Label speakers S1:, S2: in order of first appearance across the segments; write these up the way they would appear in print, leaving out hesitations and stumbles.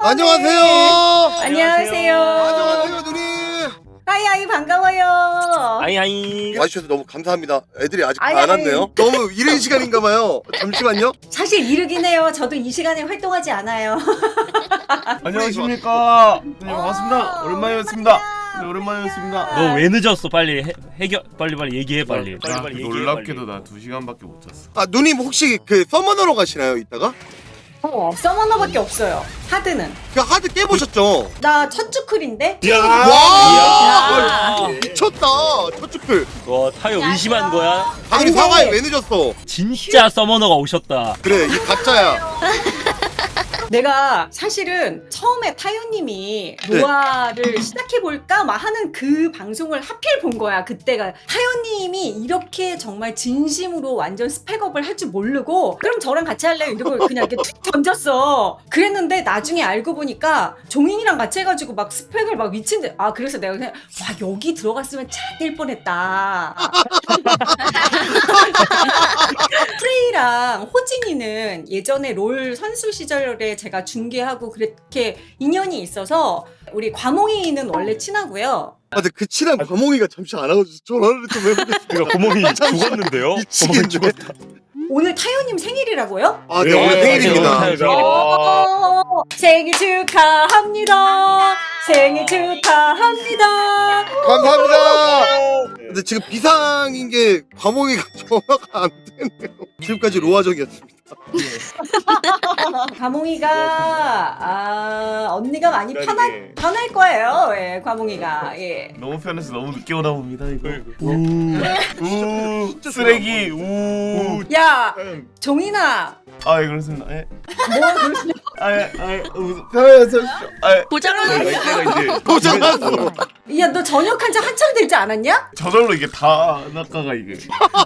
S1: 안녕하세요.
S2: 안녕하세요.
S1: 안녕하세요, 누님.
S2: 하이하이 반가워요.
S3: 아이아이.
S1: 와주셔서 너무 감사합니다. 애들이 아직
S2: 아이,
S1: 안
S2: 아이.
S1: 왔네요. 너무 이른 시간인가봐요. 잠시만요.
S2: 사실 이르긴 해요. 저도 이 시간에 활동하지 않아요.
S4: 안녕하십니까. 네, 반갑습니다. 오랜만이었습니다. 네, 오랜만이었습니다.
S3: 너 왜 늦었어? 빨리 해결 빨리 얘기해 빨리. 빨리 얘기해.
S4: 놀랍게도 나 2시간밖에 못 잤어.
S1: 아, 누님 혹시 그 서머너로 가시나요, 이따가?
S2: 서머너밖에 없어요. 하드는.
S1: 그 하드 깨보셨죠?
S2: 나 첫 주클인데?
S1: 와! 미쳤다. 첫 주클.
S3: 와 타요 의심한 거야?
S1: 당연히
S2: 안 돼.
S1: 사과해. 왜 늦었어?
S3: 진짜 서머너가 오셨다.
S1: 그래, 이 가짜야.
S2: 내가 사실은 처음에 타요님이 로아를 시작해볼까 막 하는 그 방송을 하필 본 거야. 그때가 타요님이 이렇게 정말 진심으로 완전 스펙업을 할 줄 모르고 그럼 저랑 같이 할래요? 이러고 그냥 이렇게 툭 던졌어. 그랬는데 나중에 알고 보니까 종인이랑 같이 해가지고 막 스펙을 막 미친데 그래서 내가 그냥 와 여기 들어갔으면 잘될 뻔했다. 프레이랑 호진이는 예전에 롤 선수 시절에 제가 중계하고 그렇게 인연이 있어서 우리 과몽이는 원래 친하고요.
S1: 아, 근데 그 친한 과몽이가 잠시 안 와가지고 전화를 좀 해보겠습니다.
S3: 그러니까 고몽이 죽었는데요?
S1: 미치겠네.
S2: 오늘 타요님 생일이라고요?
S1: 아, 네, 오늘 생일입니다.
S2: 생일 축하합니다. 생일 축하합니다.
S1: 감사합니다. 근데 지금 비상인 게 과몽이가 전화가 안 되네요. 지금까지 로아정이었습니다.
S2: 과몽이가 언니가 많이 편할 거예요. 예, 과몽이가. 예.
S4: 너무 편해서 너무 늦게 오다 봅니다. 이거. 쓰레기.
S2: 야, 종인아.
S4: 아, 예, 그렇습니다. 예.
S2: 뭐 그러시냐?
S4: 편해서
S1: 고장났어.
S2: 야, 너 전역한 지 한참 되지 않았냐?
S4: 저절로 이게 다 낙가가 이게.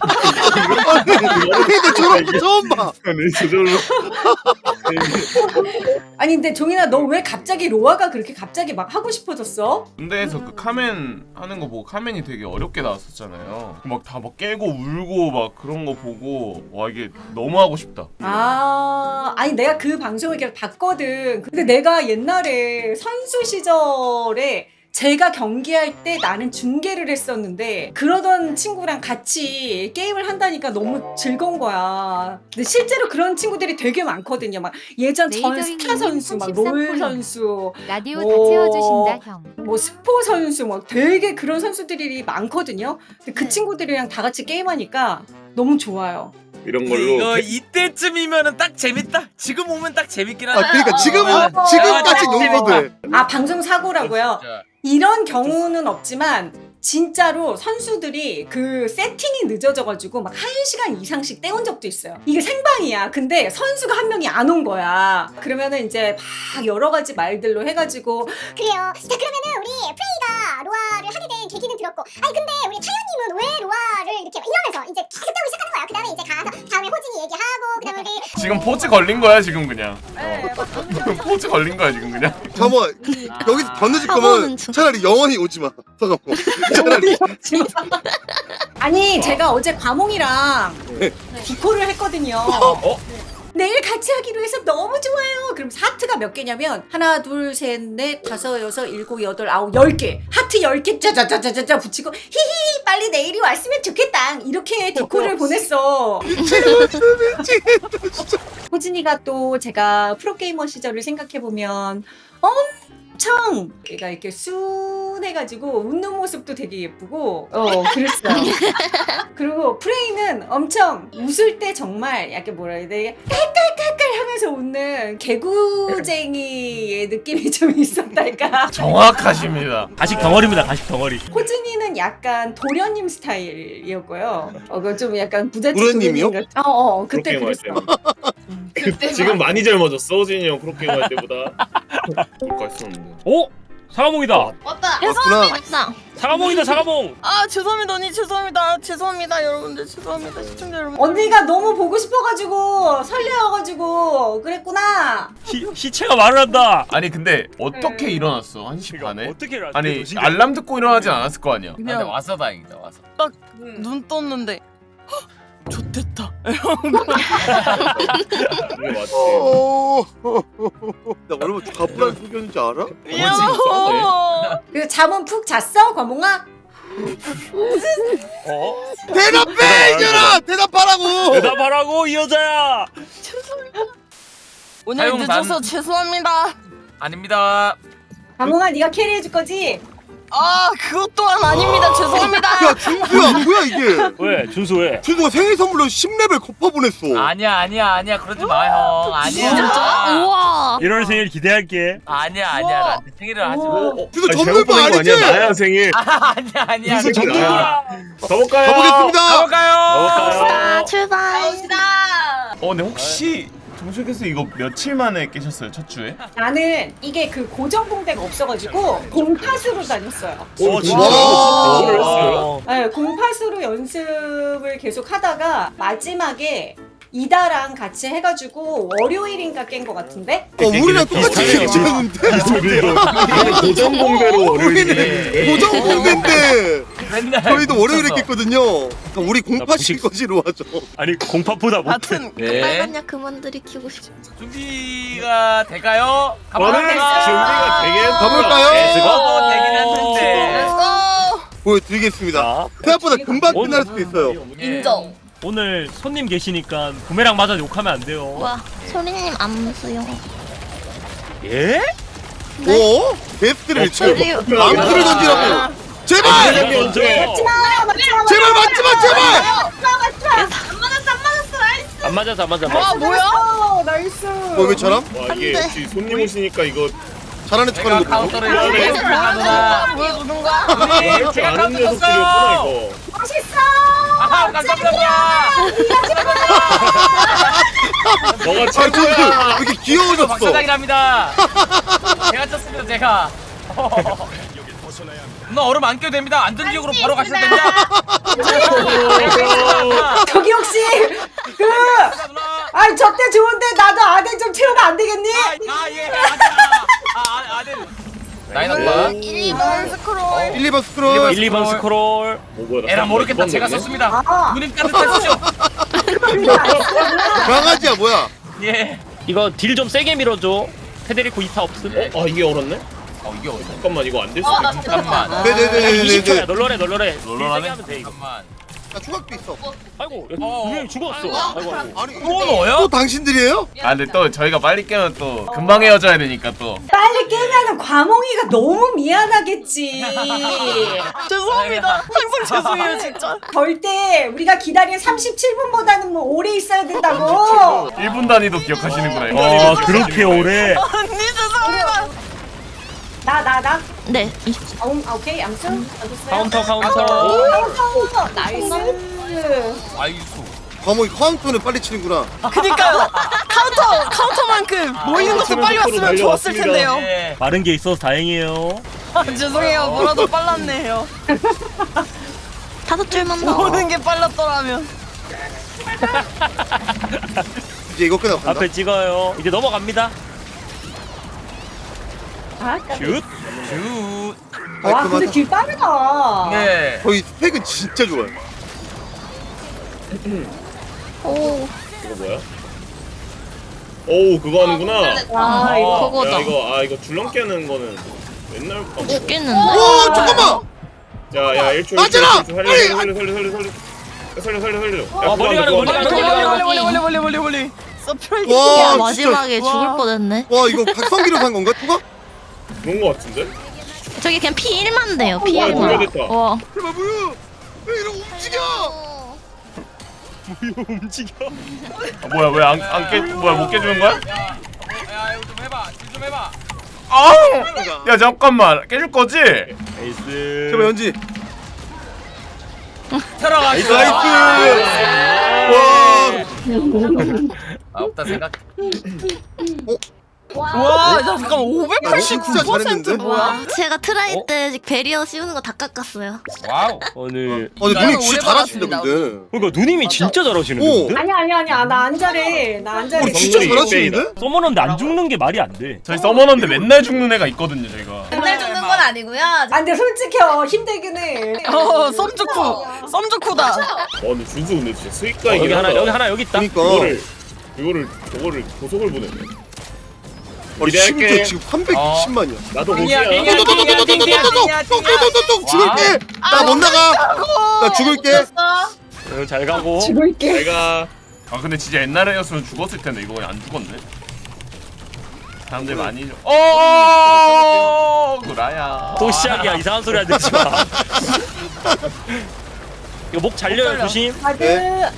S1: 근데 저런 거 처음 봐.
S4: 네, 저절로.
S2: 아니 근데 종인아 너 왜 갑자기 로아가 그렇게 갑자기 막 하고 싶어졌어?
S4: 군대에서 그 카멘 하는 거 보고 카멘이 되게 어렵게 나왔었잖아요. 막 다 막 깨고 울고 막 그런 거 보고 와 이게 너무 하고 싶다.
S2: 아니 내가 그 방송을 계속 봤거든. 근데 내가 옛날에 선수 시절에 제가 경기할 때 나는 중계를 했었는데 그러던 친구랑 같이 게임을 한다니까 너무 즐거운 거야. 근데 실제로 그런 친구들이 되게 많거든요. 막 예전 전 스타 선수, 막 롤 선수,
S5: 라디오
S2: 뭐,
S5: 다 채워주신다 형.
S2: 뭐 스포 선수, 막 되게 그런 선수들이 많거든요. 근데 그 친구들이랑 다 같이 게임하니까 너무 좋아요.
S4: 이런
S6: 이거 이때쯤이면은 딱 재밌다. 지금 오면 딱 재밌긴 하다.
S1: 아, 그러니까 지금까지 용서돼.
S2: 방송 사고라고요. 이런 경우는 없지만 진짜로 선수들이 그 세팅이 늦어져가지고 막 1시간 이상씩 떼온 적도 있어요. 이게 생방이야. 근데 선수가 한 명이 안 온 거야. 그러면은 이제 막 여러 가지 말들로 해가지고
S7: 그래요. 자 그러면은 우리 프레이가 로아를 하게 된 계기는 들었고, 아니 근데 우리 타요님은 왜 로아를 이렇게 이러면서 이제 계속 배우기 시작하는 거야. 그 다음에 이제 가서 다음에 호진이 얘기하고, 그 다음에 우리
S4: 지금 포즈 걸린 거야 지금 그냥.
S2: 네,
S4: 포즈 걸린 거야 지금 그냥.
S1: 잠깐만, 여기서 더 늦을 거면 차라리 영원히 오지 마. 잠깐만. 차라리.
S2: 아니 제가 어제 과몽이랑 디코를 했거든요. 내일 같이 하기로 해서 너무 좋아요. 그럼 하트가 몇 개냐면 하나 둘셋넷 다섯 여섯 일곱 여덟 아홉 10개 하트 10개 짜자자자자 붙이고 히히 빨리 내일이 왔으면 좋겠다 이렇게 디코를 보냈어. 호진이가 또 제가 프로게이머 시절을 생각해보면 엄청 얘가 이렇게 순해가지고 웃는 모습도 되게 예쁘고 그랬어요. 그리고 프레이는 엄청 웃을 때 정말 약간 뭐라 해야 돼, 깔깔깔깔 하면서 웃는 개구쟁이의 느낌이 좀 있었달까.
S4: 정확하십니다.
S3: 가식 덩어리입니다. 가식 덩어리.
S2: 호진이는 약간 도련님 스타일이었고요. 그거 좀 약간 부잣집
S1: 도련님이요?
S2: 도련님 같- 그때
S8: 프로게이머 할
S2: 그랬어.
S8: 지금 많이 젊어졌어 호진이 형 프로게임 할 때보다. 그거 했었는데.
S3: 오 사과몽이다.
S9: 왔다.
S1: 왔구나.
S3: 사과몽이다 사과몽.
S9: 아 죄송합니다 언니 죄송합니다 여러분들 죄송합니다 시청자 여러분.
S2: 언니가 너무 보고 싶어가지고 설레어가지고 그랬구나.
S3: 시체가 말을 한다.
S4: 아니 근데 어떻게 일어났어 1시 반에?
S3: 어떻게
S4: 아니 알람 듣고 일어나진 않았을 거 아니야.
S6: 근데
S9: 그냥
S6: 와서 다행이다. 와서.
S9: 딱 눈 떴는데 좋댔다.
S8: 이게 맞지.
S1: 나 얼마나 가불한 소견인지 알아?
S9: 미워.
S2: 그 잠은 푹 잤어, 과몽아?
S1: 대답해 이년아! 대답하라고!
S3: 대답하라고 이 여자야.
S9: 오늘
S6: 사용
S9: 늦어서 죄송합니다.
S6: 아닙니다.
S2: 과몽아, 네가 캐리해줄 거지?
S9: 아 그것 또한 아닙니다. 죄송합니다.
S1: 야 준수야 뭐야 이게?
S3: 왜 준수 왜?
S1: 준수가 생일 선물로 10레벨 거파 보냈어.
S6: 아니야 그러지 마 형. 아니야.
S9: 진짜? 우와.
S3: 1월 생일 기대할게.
S6: 아니야 나한테 생일을 하지 마.
S1: 준수
S8: 아니,
S1: 전문가
S8: 잘못 보낸 거
S1: 아니지?
S8: 아니야? 나야 생일.
S6: 아니야.
S8: 무슨
S6: 그러지
S8: 전문가?
S6: 마.
S8: 가볼까요?
S1: 가보겠습니다.
S6: 가볼까요?
S9: 출발.
S4: 근데 혹시 정수께서 이거 며칠 만에 깨셨어요 첫 주에?
S2: 나는 이게 그 고정 공대가 없어가지고 공팟으로 다녔어요.
S3: 진짜?
S1: 와.
S3: 그걸 했어요?
S2: 네, 공팟으로 연습을 계속 하다가 마지막에 이다랑 같이 해가지고 월요일인가 깬 것 같은데?
S1: 우리랑 똑같이
S3: 비슷하네요.
S1: 생겼는데?
S8: 고정 공대로
S1: 우리는 고정 공대인데
S6: 맨날
S1: 저희도 월요일에
S6: 붙였어.
S1: 깼거든요. 그러니까 우리 공파신
S3: 부식-
S1: 거지로 하죠.
S3: 아니 공파보다 못해.
S9: 하여튼
S6: 네.
S9: 빨간 약 그만 들이키고 싶어.
S6: 준비가 될까요?
S8: 저는 준비가 되게
S1: 가볼까요?
S6: 되긴 했는데.
S1: 보여드리겠습니다.
S3: 자,
S1: 생각보다 금방
S3: 오늘-
S1: 끝날 수도 있어요.
S9: 인정.
S3: 오늘 손님 계시니까 부메랑 맞아 욕하면 안 돼요.
S9: 와 소리님 암수요.
S3: 예?
S1: 오? 게스트를 지금
S9: 저기요.
S1: 암수를 던지라고. 제발!
S3: 먼저.
S1: 제발 맞지마 제발!
S3: 안 맞아서 안 맞아.
S9: 와 뭐야?
S2: 나이스.
S1: 왜처럼?
S8: 와 이게
S9: 안 돼.
S8: 역시 손님 오시니까 이거
S1: 잘하는
S6: 제가
S1: 척하는 거 보고.
S6: 카운터를
S8: 야, 네.
S6: 이렇게 하구나.
S9: 보여주는 거야?
S8: 할 줄 아는 녀석들이었구나 이거.
S2: 멋있어.
S6: 아 깜짝이야.
S8: 너가
S1: 아 준수 왜
S8: 최고야.
S1: 이렇게 귀여워졌어?
S6: 박사장이랍니다. 제가 쳤습니다 제가. 누나 얼음 안 껴도 됩니다. 안전지역으로 바로 가셔도 됩니다.
S2: 저기 혹시 그
S6: 누나.
S2: 아니 저때 좋은데 나도 아들 좀 채우면 안 되겠니?
S6: 예. 아들. 나인 오빠.
S9: 1번 스크롤.
S1: 1, 2번 스크롤.
S3: 1, 2번 스크롤.
S8: 뭐야, 나
S6: 에라
S8: 깜빡
S6: 모르겠다.
S8: 이번
S6: 제가
S8: 됐네.
S6: 썼습니다.
S2: 아.
S6: 누님 따뜻하시죠?
S1: 강아지야 뭐야?
S6: 예.
S3: 이거 딜 좀 세게 밀어줘. 페데리코 2타 없음.
S8: 아 이게 얼었네?
S6: 이게 어디?
S8: 잠깐만 이거 안 될 수도 있어.
S6: 잠깐만.
S3: 아,
S1: 네네네네네.
S3: 20초야. 널널해. 딜 세게
S6: 롤러라네.
S3: 하면 돼 이거.
S6: 잠깐만.
S1: 나 중학도 있어.
S3: 아이고 분명히 죽었어. 아이고.
S1: 아니
S6: 또 너야?
S1: 또 당신들이에요?
S4: 근데 또 저희가 빨리 깨면 또 금방 헤어져야 되니까 또.
S2: 빨리 깨면은 과몽이가 너무 미안하겠지.
S9: 죄송합니다. 항상 죄송해요 진짜.
S2: 절대 우리가 기다린 37분보다는 뭐 오래 있어야 된다고.
S4: 1분 단위도 기억하시는구나.
S3: 아 그렇게 오래.
S9: 언니 죄송합니다.
S2: 나.
S9: 네.
S2: 오케이 암수.
S3: 카운터.
S2: 나이스.
S6: 아이수.
S1: 과목이 카운터는 빨리 치는구나.
S9: 그니까요. 카운터만큼 모이는 것도 빨리 왔으면 좋았을 텐데요.
S6: 예.
S3: 마른 게 있어서 다행이에요.
S9: 죄송해요. 뭐라도 빨랐네요. 5줄만 더. 모든 게 빨랐더라면.
S1: 이제 이거 끝나고 간다.
S3: 앞에 찍어요. 이제 넘어갑니다.
S2: 아,
S3: 슛.
S6: 슛.
S2: 와 근데
S1: 깔끔하다.
S2: 길 빠르다.
S6: 예.
S1: 저희 스펙은 진짜 좋아요.
S9: 오.
S8: 이거 뭐야? 오우 그거 하는구나.
S2: 아 이거
S9: 그거다.
S8: 이거 줄넘기 하는 거는 맨날
S9: 죽겠는데?
S1: 오 잠깐만.
S8: 자야 1초
S1: 맞잖아!
S8: 살려.
S3: 머리 가는 거, 머리 가는 거.
S9: 멀리. 서프라이즈.
S1: 와 진짜.
S5: 마지막에
S9: 와.
S5: 죽을 뻔했네.
S1: 와 이거 각성기로 산 건가 투가?
S8: 그런 거 같은데?
S5: 저기 그냥 P1만 돼요.
S8: 와,
S5: P1만.
S8: 됐다.
S5: 와.
S1: 제발 무유. 왜 이러고 움직여?
S3: 움직여.
S4: 뭐야 왜 안 깨? 뭐야 못 깨주는 거야?
S6: 야 이거 좀 해봐. 좀 해봐.
S4: 야 잠깐만 깨줄 거지?
S3: 에이스.
S1: 제발 연지.
S6: 들어가시죠.
S1: 나이스. 와.
S6: 없다 생각.
S9: 와, 나 잠깐
S1: 진짜
S9: 589%
S1: 잘했는데?
S9: 뭐야?
S5: 제가 트라이 때 베리어 씌우는 거 다 깎았어요.
S6: 와우.
S3: 오늘
S1: 근데
S9: 나는
S1: 누님 진짜
S9: 오래
S1: 잘하신다
S9: 받았습니다.
S1: 근데.
S3: 그러니까 누님이 진짜 잘하시는데.
S1: 오.
S3: 근데?
S2: 아니야 나 안 잘해. 나 안 잘해.
S1: 우리 진짜
S8: 정글이
S1: 잘하시는데?
S3: 써머는데 안 죽는 게 말이 안 돼.
S4: 저희 서머너인데 맨날 죽는 애가 있거든요 저희가.
S9: 맨날 죽는 건
S10: 건 아니고요.
S2: 아 근데 솔직히 힘들긴 해.
S9: 썸좋구다.
S8: 근데 준수 근데 진짜 스윗가이긴
S3: 여기 하나
S8: 하다.
S3: 여기 하나 여기 있다.
S1: 그러니까
S8: 저거를 고속을 보내네.
S1: 심지어
S8: 기대할게.
S1: 지금 320만이야.
S8: 나도
S6: 빙이야,
S8: 고시야.
S6: 빙이야.
S1: 똥똥똥똥똥똥똥똥똥똥똥똥똥 죽을게. 나 못 나가. 나 죽을게.
S3: 잘 가고.
S2: 죽을게.
S8: 내가
S4: 아 근데 진짜 옛날에였으면 죽었을 텐데 이거 안 죽었네. 사람들 많이 구라야.
S3: 또 시작이야. 이상한 소리 하지 마. 이거 목 잘려요. 조심.
S2: 아드.
S1: 네.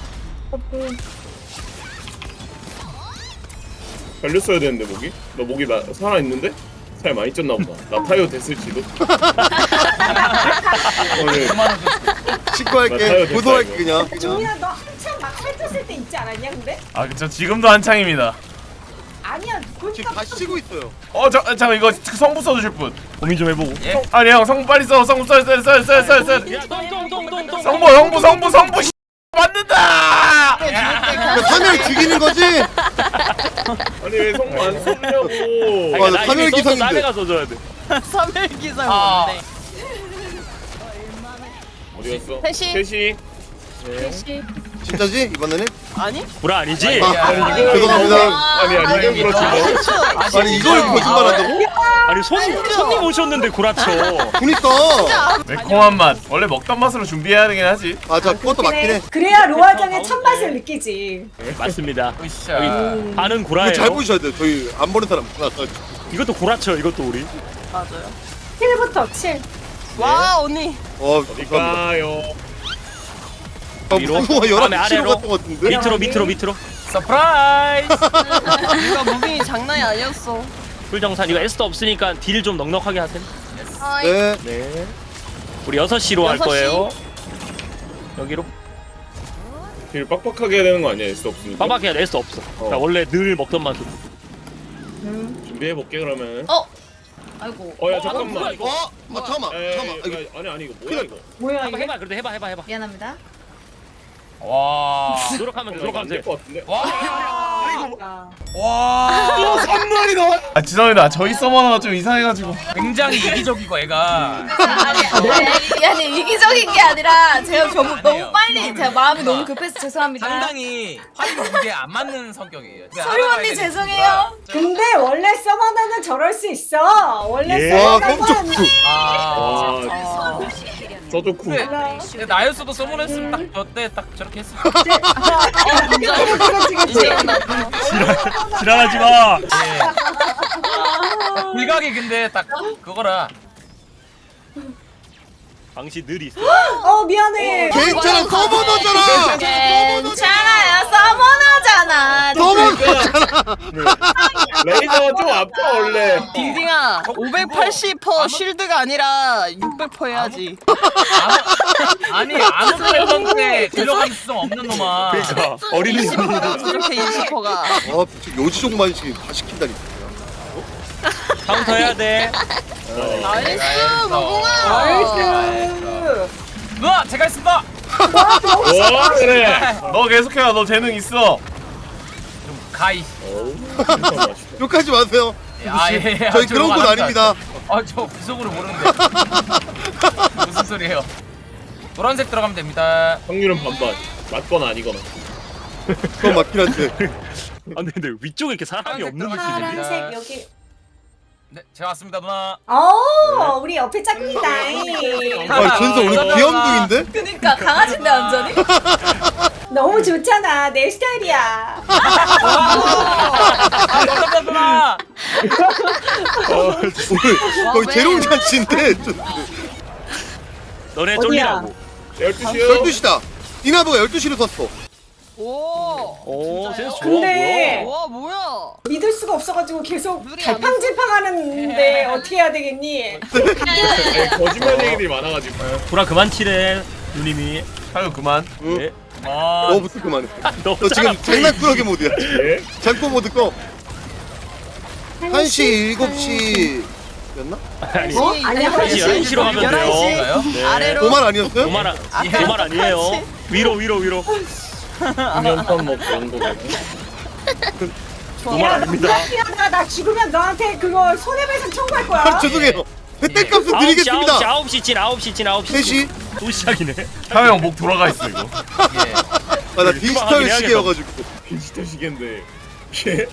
S8: 걸렸어야 되는데 목이? 너 목이 나 살아 있는데? 살 많이 쪘나 보다. 나 타이어 됐을지도. 오늘
S1: 신고할게. 고소할게 그냥.
S2: 종민아 너 한참 막 살쪘을 때 있지 않았냐 근데?
S4: 아 그쵸 지금도 한창입니다.
S2: 아니야
S1: 지금 다 쉬고 있어요.
S4: 잠깐 이거 성부 써주실 분.
S3: 고민 좀 해보고.
S4: 아니 형 성부 빨리 써. 성부 써.
S3: 야, 똥똥똥똥똥.
S4: 성부 씨, 맞는다.
S1: 사멸 죽이는 거지?
S8: 아니 왜 성공 안 쏘냐고.
S1: 맞아, 사멸 기상인데.
S3: 남해가 써줘야 돼.
S9: 3일기상 뭔데?
S8: 어디 갔어?
S9: 셋이.
S8: 셋이.
S1: 진짜지 이번에는?
S9: 아니?
S3: 구라 아니지?
S8: 아니 이거
S1: 죄송합니다.
S8: 아니 이거 그렇지.
S1: 아니 이걸 거짓말한다고?
S3: 아니 손님 오셨는데 구라쳐.
S1: 그니까.
S4: 매콤한 맛. 원래 먹던 맛으로 준비해야 되긴 하지.
S1: 맞아 그것도 맞긴 해.
S2: 그래야 로아장의 첫 맛을 느끼지.
S3: 맞습니다.
S6: 으쌰.
S3: 여기 반은
S1: 이거
S3: 구라예요.
S1: 잘 보셔야 돼요. 저희 안 보는 사람 많아서.
S3: 이것도 구라쳐. 이것도 우리.
S9: 맞아요.
S2: 7부터 7.
S9: 와 언니.
S1: 감사합니다.
S8: 어디가요?
S3: 위로?
S1: 무서워
S3: 다음에
S1: 11시로
S3: 아래로?
S1: 갔던 것 같은데?
S3: 밑으로.
S6: 서프라이즈.
S9: 이거 무빙이 장난이 아니었어.
S3: 풀정산 이거 S도 없으니까 딜 좀 넉넉하게 하세요.
S1: 네.
S3: 네. 우리 6시로 할
S9: 6시?
S3: 거예요. 여기로.
S8: 길 빡빡하게 해야 되는 거 아니야? S 없으니까.
S3: 빡빡해야 S 없어. 그러니까 원래 늘 먹던 만큼.
S8: 준비해 볼게 그러면.
S10: 아이고.
S8: 야 잠깐만. 이거.
S1: 잠깐만.
S8: 에이, 아니 이거 뭐야 이거?
S2: 뭐야
S3: 한번
S2: 이게?
S3: 해봐. 그래도 해봐.
S10: 미안합니다.
S6: 와.
S3: 노력하면
S8: 안될
S3: 돼.
S8: 것 같은데.
S6: 와.
S4: 아 죄송합니다. 저희 서머너가 좀 이상해가지고.
S6: 굉장히 이기적이고 애가.
S10: 아니 이기적인 게 아니라 제가 너무 빨리 제가 마음이 너무 급해서 죄송합니다.
S6: 상당히 화이트 무게에 안 맞는 성격이에요.
S10: 소리 언니 죄송해요.
S2: 근데 원래 서머너는 저럴 수 있어. 원래
S3: 예.
S1: 와
S2: 서머너는
S8: 와. 저도쿠.
S6: 근데 나였어도 서문했으면 딱 저때 딱 저렇게 했을
S3: 지랄하지 마.
S6: 일각이 근데 딱 그거라.
S3: 방시 늘 있어.
S2: 미안해.
S1: 괜찮아 서머너잖아.
S10: 괜찮아요. 서머너잖아.
S1: 서머너잖아.
S8: 레이저가 좀 아파 원래.
S9: 딩딩아 580% 쉴드가 아니라 600% 해야지.
S6: 아니 아무도 했는데 들어갈 수 없는 놈아.
S3: 그러니까 어린이.
S9: 이렇게 20%가.
S1: 요지종만씩 다 시킨다니까.
S3: 카운터 해야 돼.
S9: 나이스 무궁아.
S2: 나이스.
S6: 누나 제가 했습니다.
S8: 와 그래.
S4: 너 계속해라. 너 재능 있어.
S6: 가이.
S8: 맛있다.
S1: 욕하지 마세요.
S6: 예.
S1: 저희 그런 건 아닙니다.
S6: 아저 비속으로 모르는데. 무슨 소리예요? 노란색 들어가면 됩니다.
S8: 확률은 반반. 맞거나 아니거나.
S1: 그건 맞긴 한데.
S3: 아 근데 위쪽에 이렇게 사람이 없는 느낌인데.
S2: 파란색 여기.
S6: 네 제가 왔습니다 누나.
S2: 우리 옆에 짝꿍이다.
S1: 아 준서 오늘 귀염둥인데?
S10: 그니까 강아지인데 완전히.
S2: 너무 좋잖아. 내 스타일이야.
S6: 감사합니다 누나.
S1: 오늘 거의 재롱잔치인데.
S3: 너네
S2: 어디야?
S3: 쫄리라고.
S8: 12시요.
S1: 12시다. 디나보가 12시로 섰어.
S3: 오 센스 좋아.
S2: 근데
S9: 와 뭐야?
S2: 믿을 수가 없어가지고 계속
S9: 눈이 안
S2: 갈팡질팡하는데 어떻게 해야 되겠니?
S8: 아니, 거짓말 얘기들이 많아가지고.
S3: 구라 그만 치래. 누님이.
S4: 하여 그만.
S1: 응?
S3: 네.
S1: 너부터 그만해.
S3: 너
S1: 너 지금 장난꾸러기 모드야.
S8: 예?
S1: 장꼬 모드 꺼. 1시, 7시 였나?
S3: 아니.
S2: 아니야.
S3: 11시로 가면 돼요.
S9: 11시
S3: 네.
S9: 아래로.
S1: 도말 아니었어요?
S3: 도말 아니에요. 위로.
S8: 공연판 먹고 온 거거든.
S3: 도말 아닙니다.
S2: 나 죽으면 너한테 그거 손해배상 청구할 거야.
S1: 죄송해요. 혜택값은 드리겠습니다.
S3: 9시 찐
S1: 3시.
S3: 또 시작이네.
S4: 타요 형 목 돌아가 있어 이거.
S6: 예.
S1: 아 나 디지털
S3: 해야겠다.
S1: 시계여가지고.
S8: 디지털 시계인데. 예?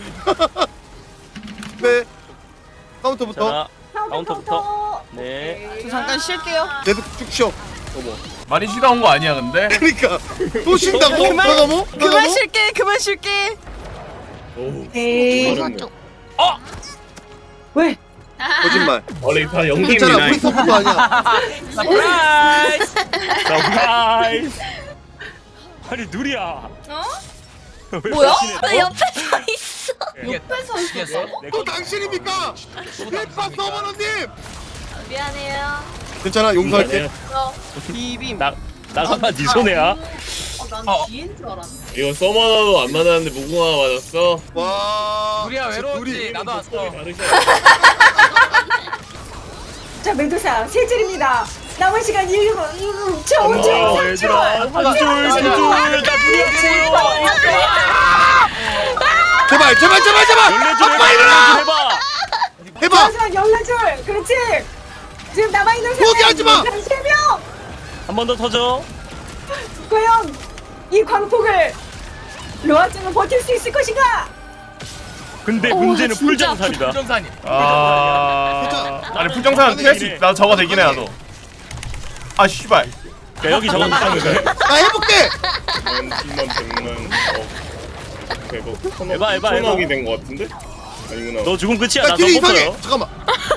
S1: 네. 카운터부터
S3: 자, 카운터부터. 네.
S2: 오케이.
S9: 저 잠깐 쉴게요.
S1: 계속 쭉 쉬어.
S4: 많이 쉬다 온 거 아니야 근데?
S1: 그러니까 또 쉰다고?
S9: 그만.
S1: 나가모?
S9: 그만 쉴게. 그만 쉴게.
S8: 오.
S2: 에이.
S8: 잘했네.
S2: 왜?
S1: 거짓말.
S8: 원래 다 연기입니다.
S1: 괜찮아. 우리 서포도 아니야.
S6: 서프라이즈.
S3: 서프라이즈. 아니 누리야. 왜
S10: 뭐야?
S3: 배신해?
S5: 나 옆에 서 있어.
S10: 옆에서 있었어?
S1: 또 당신입니까? 힐파 서버너님.
S10: 미안해요.
S1: 괜찮아. 용서할게.
S9: 비빔.
S3: 나가봐 네 손해야.
S6: 어.
S8: 이거 서머너도 안 맞았는데 무궁화가 맞았어.
S1: 와.
S6: 우리야
S1: 진짜
S6: 외로웠지.
S1: 둘이
S6: 나도 왔어.
S2: 자 메두사 세 줄입니다. 남은 시간 1분.
S8: 고마워,
S3: 얘들아 한 줄. 나 누리야
S1: 제발.
S3: 14줄 해봐.
S1: 해봐.
S2: 마지막 14줄. 그렇지. 지금 남아있는
S1: 포기하지 마.
S2: 3명.
S3: 한 번 더 터져.
S2: 과연 이 광폭을 로아증은 버틸 수 있을 것인가?
S3: 근데 문제는 풀장산이다.
S6: 정산이.
S4: 아니 풀정산 피할 수 있. 나 저거 되긴 해 나도. 아 씨발.
S3: 야, 여기 저거 있다는 거야.
S1: 나 해볼게.
S8: 10만 100만
S3: 해봐.
S8: 천억이 된 거 같은데? 아니구나.
S3: 너 죽음 끝이야.
S1: 야
S3: 나
S1: 딜이 이상해.
S3: 넘었어요.
S1: 잠깐만.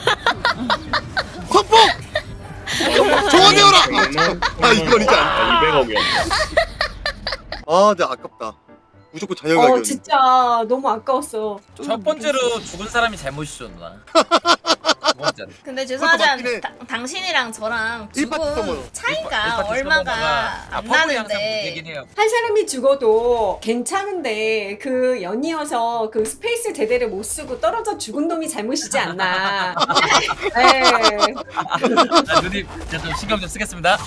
S1: 선폭. 조언해요라. 아 이건 이제 안.
S8: 200억이었네.
S1: 아, 네 아깝다. 무조건 잔여가기였네.
S2: 진짜 너무 아까웠어.
S6: 첫 번째로 죽은 사람이 잘못이죠 누나. 두 번째로.
S10: 근데
S1: 그것도 맞긴 해.
S10: 죄송하지만 당신이랑 저랑
S1: 일파트
S10: 죽음
S1: 써봐요.
S10: 차이가 얼마가 안 나는데
S6: 되긴 해요.
S2: 한 사람이 죽어도 괜찮은데 그 연이어서 그 스페이스 제대로 못 쓰고 떨어져 죽은 놈이 잘못이지 않나. 네.
S6: 아, 누님 이제 좀 신경 좀 쓰겠습니다.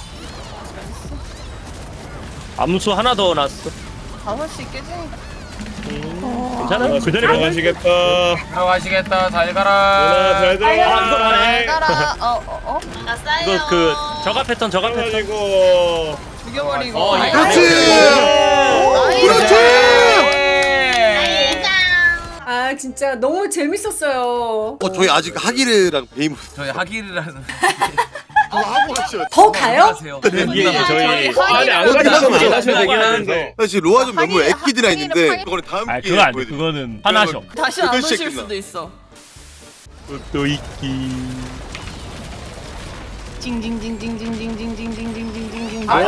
S3: 암수 하나 더 났어.
S9: 5시 깨지.
S3: 괜찮아? 그 전에
S8: 들어가시겠다.
S6: 들어가시겠다. 잘
S8: 누나
S6: 가라.
S8: 잘 들어가.
S3: 이걸 하네.
S9: 따라.
S10: 아싸요.
S3: 이거 그 저가 패턴
S8: 가지고.
S9: 죽여버리고.
S1: 그렇지. 그렇지.
S2: 아 진짜 너무 재밌었어요.
S1: 저희 아직 하기르랑 베이무
S6: 저희 하기라는.
S1: 하고 가셔야 돼.
S2: 더 가요?
S6: 하세요.
S3: 예, 저희
S8: 아니 안 가셨으면 안 하셔도 되긴 하는데.
S1: 사실 로아 좀 너무 애기드라 있는데 그거는 다음
S3: 아
S1: 기회에
S3: 그거 안 돼.
S1: 보여드릴게요.
S3: 그거는 하나셔.
S9: 다시 안
S1: 여덟
S9: 오실
S1: 시에 끝나.
S9: 수도 있어.
S3: 또 있기.
S9: 징징징징징징징징징징징징징징.
S1: 아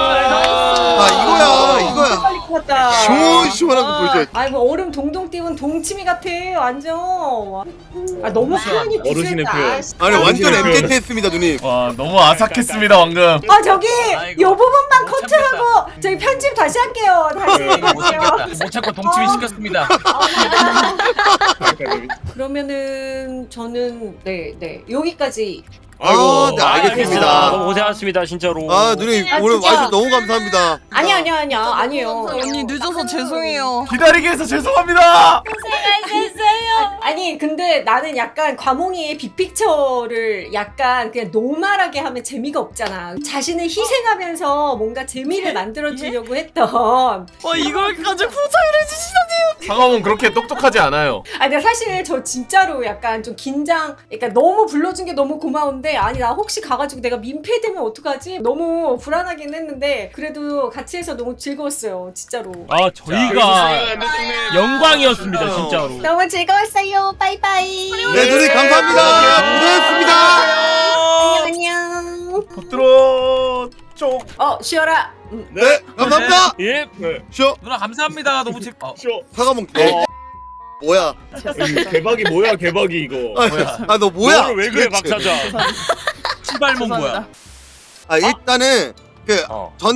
S1: 이거야.
S2: 빨리 끝났다.
S1: 시원시원한 거 보여줘야지.
S2: 아이 뭐 얼음 동동 띄운 동치미 같아 완전. 아 너무 표현이
S8: 어르신의
S2: 비슷했다.
S8: 표현.
S1: 아니 완전
S8: 당신의
S1: MZ 했습니다 누님.
S4: 와 너무 아삭했습니다 방금.
S2: 아 저기
S6: 아이고,
S2: 요 부분만
S6: 못
S2: 커트하고 저희 편집 다시 할게요. 다시
S6: 이거 못
S2: 할게요.
S6: 참겠다. 못 참고 동치미 시켰습니다.
S2: 그러면은 저는 네 여기까지.
S1: 아, 네 알겠습니다.
S3: 너무 고생하셨습니다 진짜로.
S1: 아 누님 오늘
S2: 진짜.
S1: 와주셔서 너무 감사합니다.
S2: 아니에요.
S9: 언니 늦어서 죄송해요.
S4: 기다리게 해서 죄송합니다.
S10: 고생하셨어요.
S2: 아니 근데 나는 약간 과몽이의 빅픽처를 약간 그냥 노멀하게 하면 재미가 없잖아. 자신을 희생하면서 뭔가 재미를 만들어주려고 했던.
S9: 와 이걸까지 포장을 해주시다니요.
S4: 상암은 그렇게 똑똑하지 않아요.
S2: 아니 근데 사실 저 진짜로 약간 좀 긴장. 그러니까 너무 불러준 게 너무 고마운데 아니 나 혹시 가가지고 내가 민폐되면 어떡하지? 너무 불안하긴 했는데 그래도 같이 해서 너무 즐거웠어요 진짜로.
S3: 아 저희가 영광이었습니다 진짜로.
S2: 너무 즐거웠어요. 빠이빠이.
S1: 네 누님 감사합니다. 고생했습니다.
S2: 안녕.
S4: 겉들어 쪽.
S2: 쉬어라.
S1: 네 감사합니다.
S3: 예.
S1: 쉬어.
S6: 누나 감사합니다. 너무 재밌.
S8: 쇼.
S1: 사과먹. 뭐야?
S8: 개박이 뭐야 개박이 이거.
S1: 아 너 뭐야?
S3: 너를 왜 그래
S1: 도대체.
S3: 박사장.
S6: 시발몬 뭐야?
S1: 아 일단은 그
S3: 어.
S1: 전달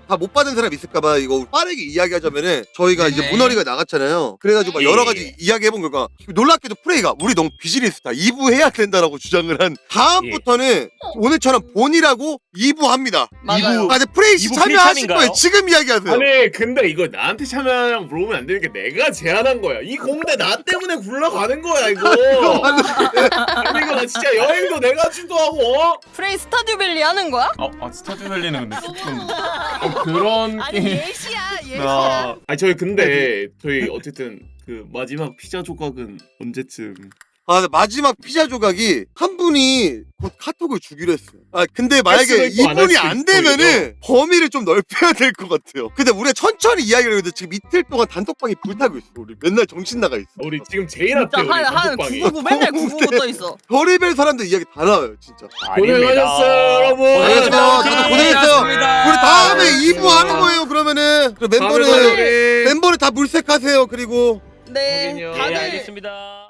S1: 다 못 받은 사람 있을까봐 이거 빠르게 이야기하자면은 저희가 이제
S6: 네.
S1: 문어리가 나갔잖아요. 그래가지고 막 여러 가지 이야기해본 결과 놀랍게도 프레이가 우리 너무 비즈니스다 2부 해야 된다라고 주장을 한 다음부터는 오늘처럼 본이라고 2부 합니다.
S9: 맞아요.
S1: 근데 프레이 씨
S3: 2부
S1: 참여하실
S3: 필참인가요?
S1: 거예요. 지금 이야기하세요.
S8: 아니 근데 이거 나한테 참여하냐고 물어보면 안 되는 게 내가 제안한 거야. 이 공대 나 때문에 굴러가는 거야 이거. 아니 이거 나 진짜 여행도 내가 주도하고
S9: 프레이 스타듀밸리 하는 거야?
S4: 스타듀밸리는 근데 조금 그런
S9: 아니
S4: 게임.
S9: 예시야 예시야.
S8: 아니 저희 근데 저희 어쨌든 그 마지막 피자 조각은 언제쯤
S1: 근데 마지막 피자 조각이 한 분이 곧 카톡을 주기로 했어요. 근데 만약에
S8: 수도 있고 안할
S1: 이분이
S8: 수도
S1: 안
S8: 있고,
S1: 되면은 범위를 좀 넓혀야 될 것 같아요. 근데 우리가 천천히 이야기를 해도 지금 이틀 동안 단톡방이 불타고 있어. 우리 맨날 정신 나가 있어.
S8: 우리 지금 제일 앞에 우리
S9: 한
S8: 단톡방이
S9: 999 맨날 999 떠 있어.
S1: 별의별 사람들 이야기 다 나와요, 진짜.
S8: 고생하셨어요 여러분.
S1: 고생하셨습니다. 다들 고생했어요.
S6: 고생하셨습니다.
S1: 우리 다음에 2부 하는 거예요. 그러면은 그
S8: 다음에
S1: 멤버를 다 물색하세요. 그리고
S9: 네.
S8: 확인요.
S3: 예,
S9: 다들
S3: 알겠습니다.